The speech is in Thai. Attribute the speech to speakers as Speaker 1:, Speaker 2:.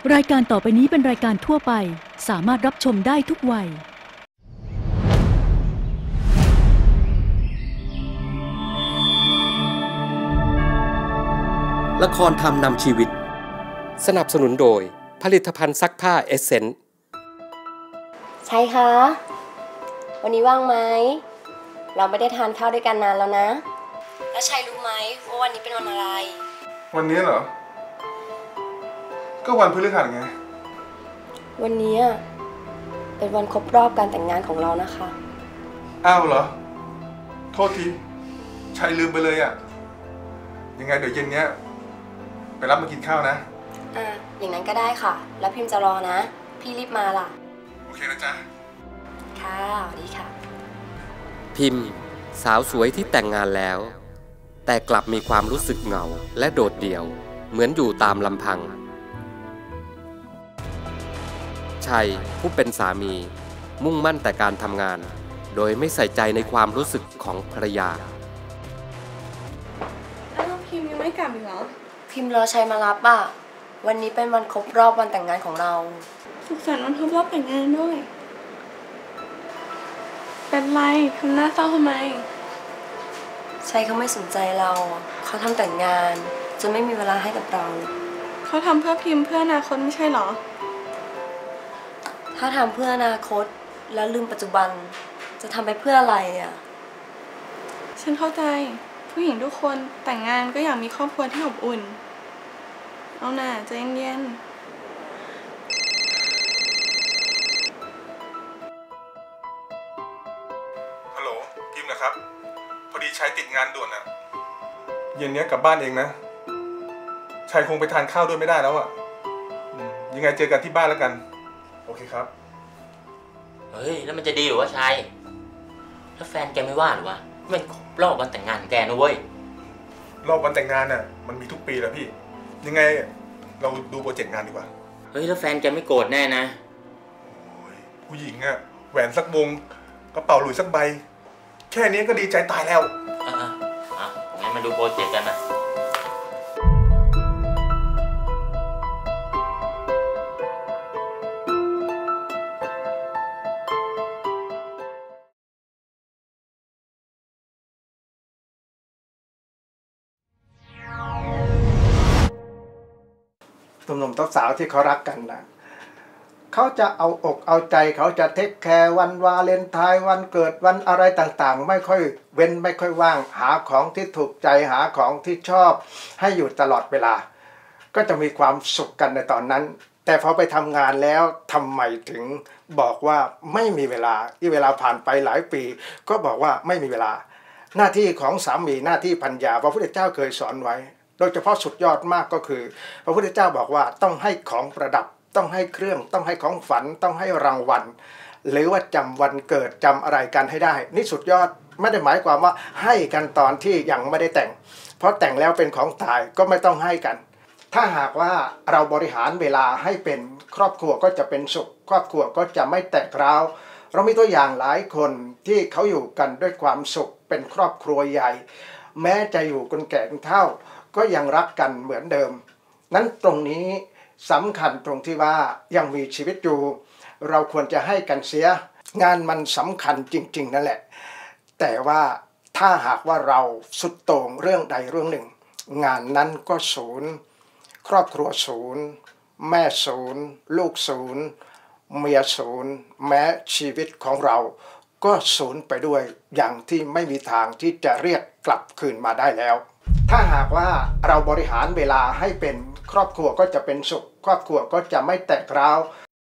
Speaker 1: รายการต่อไปนี้เป็นรายการทั่วไปสามารถรับชมได้ทุกวัย
Speaker 2: ละครธรรมนำชีวิตสนับสนุนโดยผลิตภัณฑ์ซักผ้าเอเซนส์
Speaker 3: ใช่คะวันนี้ว่างไหมเราไม่ได้ทานข้าวด้วยกันนานแล้วนะแล้วชัยรู้ไหมว่าวันนี้เป็นวันอะไร
Speaker 4: วันนี้เหรอก็วันพฤหัสไง
Speaker 3: วันนี้เป็นวันครบรอบการแต่งงานของเรานะคะ
Speaker 4: อ้าวเหรอโทษทีชัยลืมไปเลยอ่ะยังไงเดี๋ยวเย็นเนี้ยไปรับมากินข้าวนะ
Speaker 3: อย่างนั้นก็ได้ค่ะแล้วพิมพ์จะรอนะพี่รีบมาล่ะ
Speaker 4: โอเคนะจ๊ะ
Speaker 3: ค่ะสวัสดีค่ะ
Speaker 2: พิมพ์สาวสวยที่แต่งงานแล้วแต่กลับมีความรู้สึกเหงาและโดดเดี่ยวเหมือนอยู่ตามลำพังชัยผู้เป็นสามีมุ่งมั่นแต่การทำงานโดยไม่ใส่ใจในความรู้สึกของภรรยา
Speaker 5: พิมยังไม่กลับอีกเหรอ
Speaker 3: พิมรอชัยมารับวันนี้เป็นวันครบรอบวันแต่งงานของเรา
Speaker 5: สุขสันต์วันครบรอบแต่งงานด้วยเป็นไรทำหน้าเศร้าทำไม
Speaker 3: ชัยเขาไม่สนใจเราเขาทำแต่งงานจนไม่มีเวลาให้กับเรา
Speaker 5: เขาทำเพื่อพิมพ์เพื่ออนาคตไม่ใช่หรอ
Speaker 3: ถ้าทำเพื่ออนาคตแล้วลืมปัจจุบันจะทำไปเพื่ออะไร
Speaker 5: ฉันเข้าใจผู้หญิงทุกคนแต่งงานก็อยากมีครอบครัวที่อบอุ่นเอาหน่าใจเย็น
Speaker 4: ฮัลโหลพิมพ์นะครับพอดีชัยติดงานด่วนอ่ะเย็นนี้กลับบ้านเองนะชัยคงไปทานข้าวด้วยไม่ได้แล้วอ่ะยังไงเจอกันที่บ้านแล้วกันโอเคครับ
Speaker 6: เฮ้ยแล้วมันจะดีหรือวะชัยแล้วแฟนแกไม่ว่าหรือวะมันรอบวันแต่งงานของแกนะเว้ย
Speaker 4: รอบวันแต่งงานน่ะมันมีทุกปีแล้วพี่ยังไงเราดูโปรเจกต์งานดีกว่า
Speaker 6: เฮ้ยแล้วแฟนแกไม่โกรธแน่นะ
Speaker 4: โอ้ยผู้หญิงอะแหวนสักวงกระเป๋าหลุยสักใบแค่นี้ก็ดีใจตายแล้ว
Speaker 6: งั้นมาดูโปรเจกต์กันนะ
Speaker 7: หนุ่มๆสาวๆที่เขารักกันนะเขาจะเอาอกเอาใจเขาจะเทคแคร์วันวาเลนไทน์วันเกิดวันอะไรต่างๆไม่ค่อยเว้นไม่ค่อยว่างหาของที่ถูกใจหาของที่ชอบให้อยู่ตลอดเวลาก็จะมีความสุขกันในตอนนั้นแต่พอไปทำงานแล้วทำไมถึงบอกว่าไม่มีเวลาที่เวลาผ่านไปหลายปีก็บอกว่าไม่มีเวลาหน้าที่ของสามีหน้าที่ภรรยาพระพุทธเจ้าเคยสอนไว้โดยเฉพาะสุดยอดมากก็คือพระพุทธเจ้าบอกว่าต้องให้ของประดับต้องให้เครื่องต้องให้ของฝันต้องให้รางวัลหรือว่าจำวันเกิดจำอะไรกันให้ได้นี่สุดยอดไม่ได้หมายความว่าให้กันตอนที่ยังไม่ได้แต่งเพราะแต่งแล้วเป็นของตายก็ไม่ต้องให้กันถ้าหากว่าเราบริหารเวลาให้เป็นครอบครัวก็จะเป็นสุขครอบครัวก็จะไม่แตกร้าวเรามีตัวอย่างหลายคนที่เขาอยู่กันด้วยความสุขเป็นครอบครัวใหญ่แม้จะอยู่กันแก่เฒ่าก็ยังรักกันเหมือนเดิมนั้นตรงนี้สำคัญตรงที่ว่ายังมีชีวิตอยู่เราควรจะให้กันเสียงานมันสำคัญจริงๆนั่นแหละแต่ว่าถ้าหากว่าเราสุดโต่งเรื่องใดเรื่องหนึ่งงานนั้นก็ศูนย์ครอบครัวศูนย์แม่ศูนย์ลูกศูนย์เมียศูนย์แม้ชีวิตของเราก็ศูนย์ไปด้วยอย่างที่ไม่มีทางที่จะเรียกกลับคืนมาได้แล้วถ้าหากว่าเราบริหารเวลาให้เป็นครอบครัวก็จะเป็นสุขครอบครัวก็จะไม่แตกร้าว